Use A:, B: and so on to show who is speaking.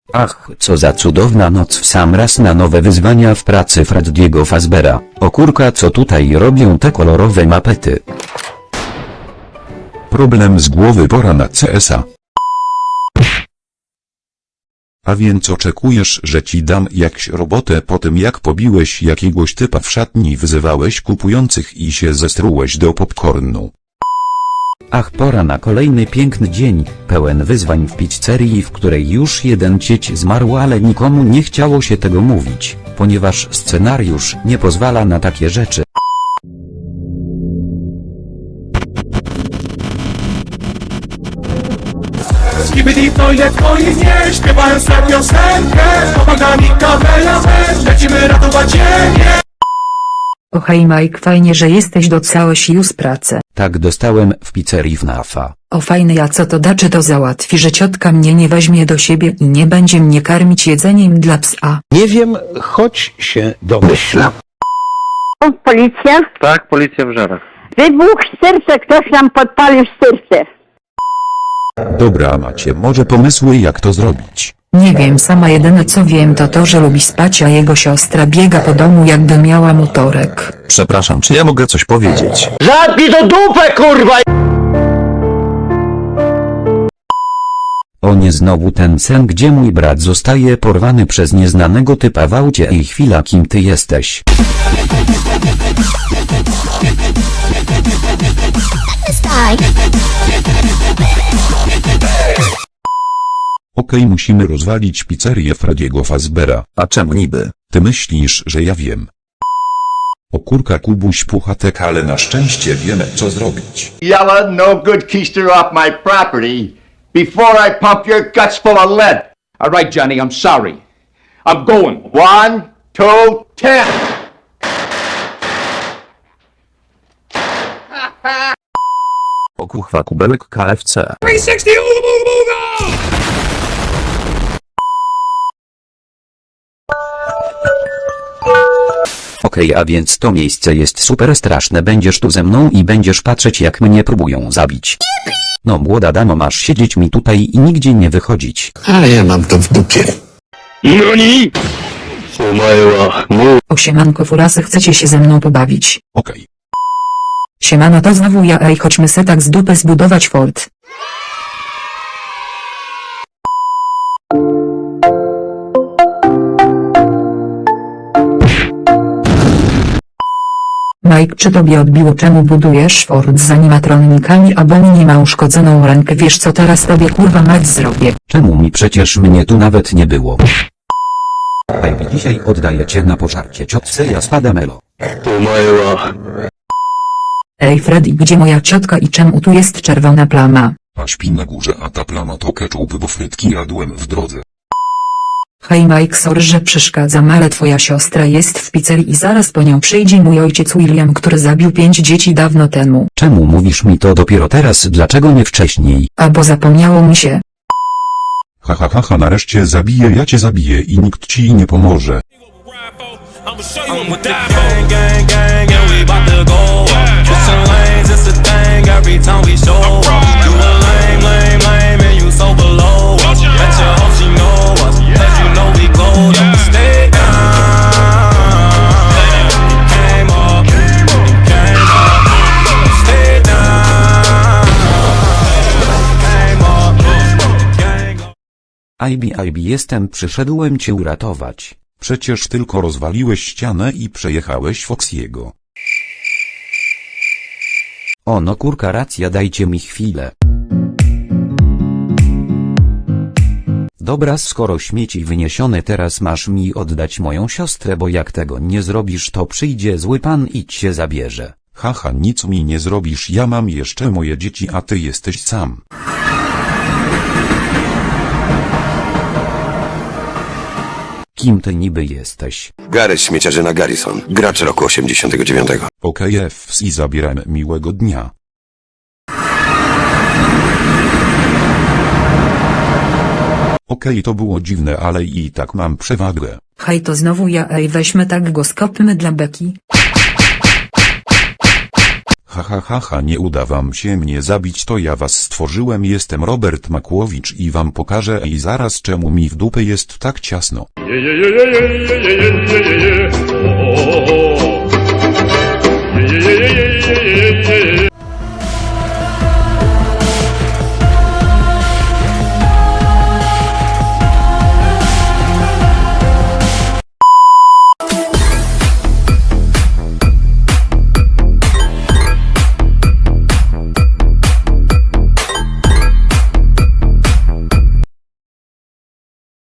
A: Ach, co za cudowna noc w sam raz na nowe wyzwania w pracy Freddiego Fazbeara. O kurka, co tutaj robią te kolorowe mapety?
B: Problem z głowy, pora na CS-a. A więc oczekujesz, że ci dam jakś robotę po tym, jak pobiłeś jakiegoś typa w szatni, wyzywałeś kupujących i się zestrułeś do popcornu.
A: Ach, pora na kolejny piękny dzień, pełen wyzwań w pizzerii, w której już jeden cieć zmarł, ale nikomu nie chciało się tego mówić, ponieważ scenariusz nie pozwala na takie rzeczy.
C: Skibidi w toilet moich nie śpiewają swoją piosenkę. Pomaga mi kamerament, lecimy ratować ziemię.
D: O hej Mike, fajnie, że jesteś, docałeś już pracę.
A: Tak, dostałem w pizzerii FNAF-a.
D: O fajne, a co to da, czy to załatwi, że ciotka mnie nie weźmie do siebie i nie będzie mnie karmić jedzeniem dla psa?
E: Nie wiem, choć się domyślam.
F: Policja?
G: Tak, policja w Żarach.
F: Wybuch w serce, ktoś nam podpalił serce.
B: Dobra, macie może pomysły, jak to zrobić?
D: Nie wiem, sama jedyne co wiem to to, że lubi spać, a jego siostra biega po domu jakby miała motorek.
H: Przepraszam, czy ja mogę coś powiedzieć?
E: Zamknij to dupę, kurwa!
A: O nie, znowu ten sen, gdzie mój brat zostaje porwany przez nieznanego typa w aucie. Ej, chwila, kim ty jesteś?
B: Okej, musimy rozwalić pizzerię Freddiego Fazbeara.
H: A czemu niby?
B: Ty myślisz, że ja wiem? O kurka, Kubuś, puchatek, ale na szczęście wiemy, co zrobić.
I: Yella, no good keister off my property before I pump your guts full of lead.
C: All right, Johnny, I'm sorry. I'm going.
I: 1, 2, 10.
H: O kurwa, kubełek KFC.
C: 360, ooga!
A: Okej, a więc to miejsce jest super straszne, będziesz tu ze mną i będziesz patrzeć, jak mnie próbują zabić. No młoda damo, masz siedzieć mi tutaj i nigdzie nie wychodzić.
E: Ale ja mam to w dupie.
D: O siemanko furasy, chcecie się ze mną pobawić?
B: Okej.
D: Siemano, to znowu ja, ej, chodźmy se tak z dupy zbudować fort. Mike, czy tobie odbiło, czemu budujesz fort z animatronikami, a Bonnie nie ma uszkodzoną rękę? Wiesz co teraz tobie kurwa mać zrobię?
A: Czemu mi, przecież mnie tu nawet nie było. Ej, dzisiaj oddaję cię na pożarcie ciotce Jaspadamelo.
D: Ej Freddy, gdzie moja ciotka i czemu tu jest czerwona plama?
B: A śpi na górze, a ta plama to ketchup, bo frytki jadłem w drodze.
D: Hej Mike, sorry, że przeszkadzam, ale twoja siostra jest w pizzerii i zaraz po nią przyjdzie mój ojciec William, który zabił 5 dzieci dawno temu.
A: Czemu mówisz mi to dopiero teraz, dlaczego nie wcześniej?
D: A bo zapomniało mi się.
B: Ha ha ha ha, nareszcie zabiję, ja cię zabiję i nikt ci nie pomoże.
C: I'ma show you what the gang, gang, gang, and we bout to go up. Switching lanes, it's a thing every time we show up. You a lame, lame, lame, and you so below us. Bet your hope she know us, 'cause you know we glowed up. Stay down, came up, came up. Stay down, came up, gang up.
A: IB, jestem, przyszedłem cię uratować.
B: Przecież tylko rozwaliłeś ścianę i przejechałeś Foxiego.
A: O no kurka, racja, dajcie mi chwilę. Dobra, skoro śmieci wyniesione, teraz masz mi oddać moją siostrę, bo jak tego nie zrobisz, to przyjdzie zły pan i cię zabierze.
B: Haha, nic mi nie zrobisz, ja mam jeszcze moje dzieci, a ty jesteś sam.
A: Kim ty niby jesteś?
J: Gary śmieciarzyna Garrison, gracz roku 89.
B: Okej, FC, zabieram, miłego dnia. Okej, to było dziwne, ale i tak mam przewagę.
D: Hej, to znowu ja, ej, weźmy tak go skopmy dla beki.
B: Ha ha ha ha, nie uda wam się mnie zabić, to ja was stworzyłem, jestem Robert Makłowicz i wam pokażę i zaraz czemu mi w dupę jest tak ciasno.
C: yeah, yeah, yeah, yeah, yeah.